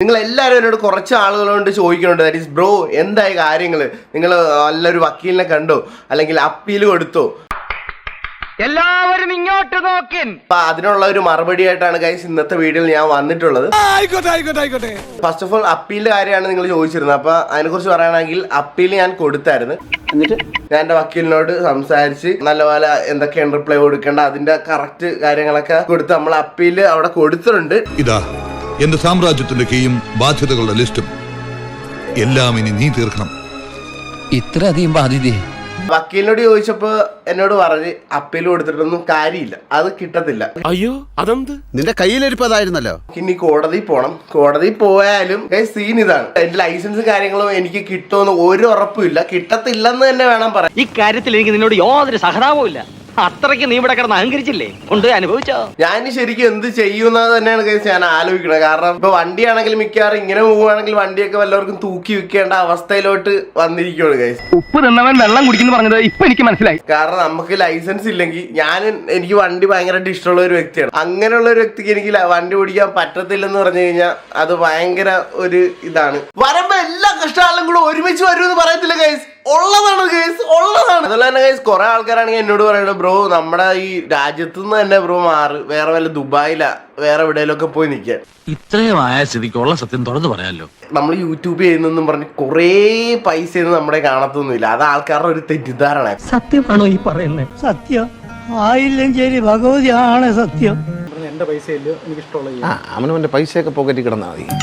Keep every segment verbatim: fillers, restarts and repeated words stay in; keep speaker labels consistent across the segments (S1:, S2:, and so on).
S1: നിങ്ങൾ എല്ലാവരും എന്നോട് കുറച്ച് ആളുകളോട് ചോദിക്കുന്നുണ്ട്, ദാറ്റ് ഈസ് ബ്രോ എന്തായി കാര്യങ്ങൾ, നിങ്ങൾ നല്ലൊരു വക്കീലിനെ കണ്ടോ അല്ലെങ്കിൽ അപ്പീൽ കൊടുത്തോ,
S2: എല്ലാവരും ഇങ്ങോട്ട് നോക്കിൻ.
S1: അപ്പൊ അതിനുള്ള ഒരു മറുപടി ആയിട്ടാണ് ഗൈസ് ഇന്നത്തെ വീഡിയോയിൽ ഞാൻ വന്നിട്ടുള്ളത്. ഫസ്റ്റ് ഓഫ് ഓൾ അപ്പീലിന്റെ കാര്യമാണ് നിങ്ങൾ ചോദിച്ചിരുന്നത്. അപ്പൊ അതിനെ കുറിച്ച് പറയുകയാണെങ്കിൽ അപ്പീൽ ഞാൻ കൊടുത്തായിരുന്നു. എന്നിട്ട് ഞാൻ എന്റെ വക്കീലിനോട് സംസാരിച്ച് നല്ലപോലെ എന്തൊക്കെയാണ് റിപ്ലൈ കൊടുക്കേണ്ട അതിന്റെ കറക്റ്റ് കാര്യങ്ങളൊക്കെ കൊടുത്ത് നമ്മൾ അപ്പീൽ അവിടെ കൊടുത്തിട്ടുണ്ട്.
S3: ഇതാ എന്റെ സാമ്രാജ്യത്തിന്റെ കീയും ബാധ്യതകളുടെ ലിസ്റ്റും എല്ലാം ഇനി നീ തീർക്കണം.
S4: ഇത്ര അധികം ബാധ്യതയെ
S1: വക്കീലിനോട് ചോദിച്ചപ്പോ എന്നോട് പറഞ്ഞ് അപ്പീൽ കൊടുത്തിട്ടൊന്നും കാര്യമില്ല, അത് കിട്ടത്തില്ല.
S5: അയ്യോ അതെന്ത്,
S6: നിന്റെ കയ്യിലിരിപ്പതായിരുന്നല്ലോ.
S1: ഇനി കോടതി പോണം. കോടതി പോയാലും സീൻ ഇതാണ്, എന്റെ ലൈസൻസ് കാര്യങ്ങളും എനിക്ക് കിട്ടുമെന്ന് ഒരു ഉറപ്പുമില്ല, കിട്ടത്തില്ലെന്ന് തന്നെ വേണം പറയാൻ.
S2: ഈ കാര്യത്തിൽ എനിക്ക് നിന്നോട് യാതൊരു സഹതാപവും ഇല്ല. അത്രയ്ക്ക് നീ ഇവിടെ കിടന്ന് അഹങ്കരിച്ചില്ലേ, കൊണ്ട് അനുഭവിച്ചോ.
S1: ഞാൻ ശരിക്കും എന്ത് ചെയ്യുന്നത് തന്നെയാണ് കേസ് ഞാൻ ആലോചിക്കുന്നത്. കാരണം ഇപ്പൊ വണ്ടിയാണെങ്കിൽ മിക്കവാറും ഇങ്ങനെ പോവുകയാണെങ്കിൽ വണ്ടിയൊക്കെ വല്ലവർക്കും തൂക്കി വിൽക്കേണ്ട അവസ്ഥയിലോട്ട് വന്നിരിക്കുകയാണ് കേസ്.
S2: ഉപ്പ് തിന്നവൻ വെള്ളം കുടിക്കുന്നു പറഞ്ഞത് ഇപ്പൊ എനിക്ക് മനസ്സിലായി.
S1: കാരണം നമുക്ക് ലൈസൻസ് ഇല്ലെങ്കിൽ, ഞാൻ എനിക്ക് വണ്ടി ഭയങ്കരമായിട്ട് ഇഷ്ടമുള്ള ഒരു വ്യക്തിയാണ്. അങ്ങനെയുള്ള ഒരു വ്യക്തിക്ക് എനിക്ക് വണ്ടി ഓടിക്കാൻ പറ്റത്തില്ലെന്ന് പറഞ്ഞു കഴിഞ്ഞാൽ അത് ഭയങ്കര ഒരു ഇതാണ്. വരുമ്പോ എല്ലാ കഷ്ടകാലം കൂടെ ഒരുമിച്ച് വരുമെന്ന് പറയത്തില്ല കേസ്, ഉള്ളതാണ് കേസ്, ഉള്ളതാണ്. അതുപോലെ തന്നെ കേസ് കുറെ ആൾക്കാരാണെങ്കിൽ എന്നോട് പറയുന്നത്, ബ്രോ നമ്മുടെ ഈ രാജ്യത്തു നിന്ന് തന്നെ ബ്രോ മാറ്, വേറെ വല്ല ദുബായിലാ വേറെ എവിടെയെങ്കിലൊക്കെ പോയി നിൽക്കാൻ.
S5: ഇത്രയും ആയ സ്ഥിതിക്കുള്ള സത്യം തുറന്നു പറയാമല്ലോ.
S1: നമ്മൾ യൂട്യൂബ് ചെയ്യുന്നെന്നും പറഞ്ഞ് കുറേ പൈസയൊന്നും നമ്മുടെ കാണത്തൊന്നുമില്ല, അത് ആൾക്കാരുടെ ഒരു തെറ്റിദ്ധാരണ.
S2: സത്യമാണോ ഈ പറയുന്നത്? സത്യം ആയില്ലെങ്കിൽ ഭഗവതിയാണ് സത്യം.
S7: എന്റെ പൈസയില്ലോ എനിക്ക് ഇഷ്ടമുള്ള
S6: അവനവന്റെ പൈസയൊക്കെ പോക്കറ്റിൽ കിടന്നാൽ മതി.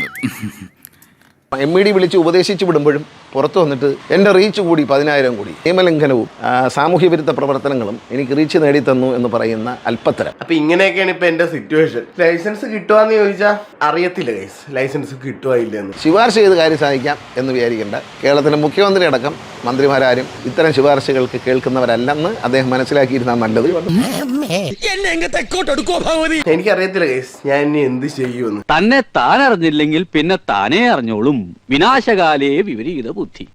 S6: എം ഇ ഡി വിളിച്ച് ഉപദേശിച്ച് വിടുമ്പോഴും പുറത്തു വന്നിട്ട് എൻ്റെ റീച്ച് കൂടി പതിനായിരം കൂടി, നിയമലംഘനവും സാമൂഹ്യ വിരുദ്ധ പ്രവർത്തനങ്ങളും എനിക്ക് റീച്ച് നേടിത്തന്നു എന്ന് പറയുന്ന അല്പത്തരം.
S1: അപ്പൊ ഇങ്ങനെയൊക്കെയാണ് ഇപ്പൊ എന്റെ സിറ്റുവേഷൻ. ലൈസൻസ് കിട്ടുവാന്ന് ചോദിച്ചാൽ അറിയത്തില്ല ഗൈസ്, ലൈസൻസ് കിട്ടുവാ ഇല്ലെന്ന്.
S6: ശുപാർശ ചെയ്ത് കാര്യം സാധിക്കാം എന്ന് വിചാരിക്കേണ്ട. കേരളത്തിലെ മുഖ്യമന്ത്രി അടക്കം മന്ത്രിമാരാരും ഇത്തരം ശുപാർശകൾക്ക് കേൾക്കുന്നവരല്ലെന്ന് അദ്ദേഹം മനസ്സിലാക്കിയിരുന്നാൽ നല്ലത്.
S1: എനിക്കറിയത്തില്ല ഗൈസ് ഞാൻ ഇനി എന്ത് ചെയ്യുമെന്ന്.
S4: തന്നെ താൻ അറിഞ്ഞില്ലെങ്കിൽ പിന്നെ താനേ അറിഞ്ഞോളും. വിനാശകാലേ വിപരീത ബുദ്ധി.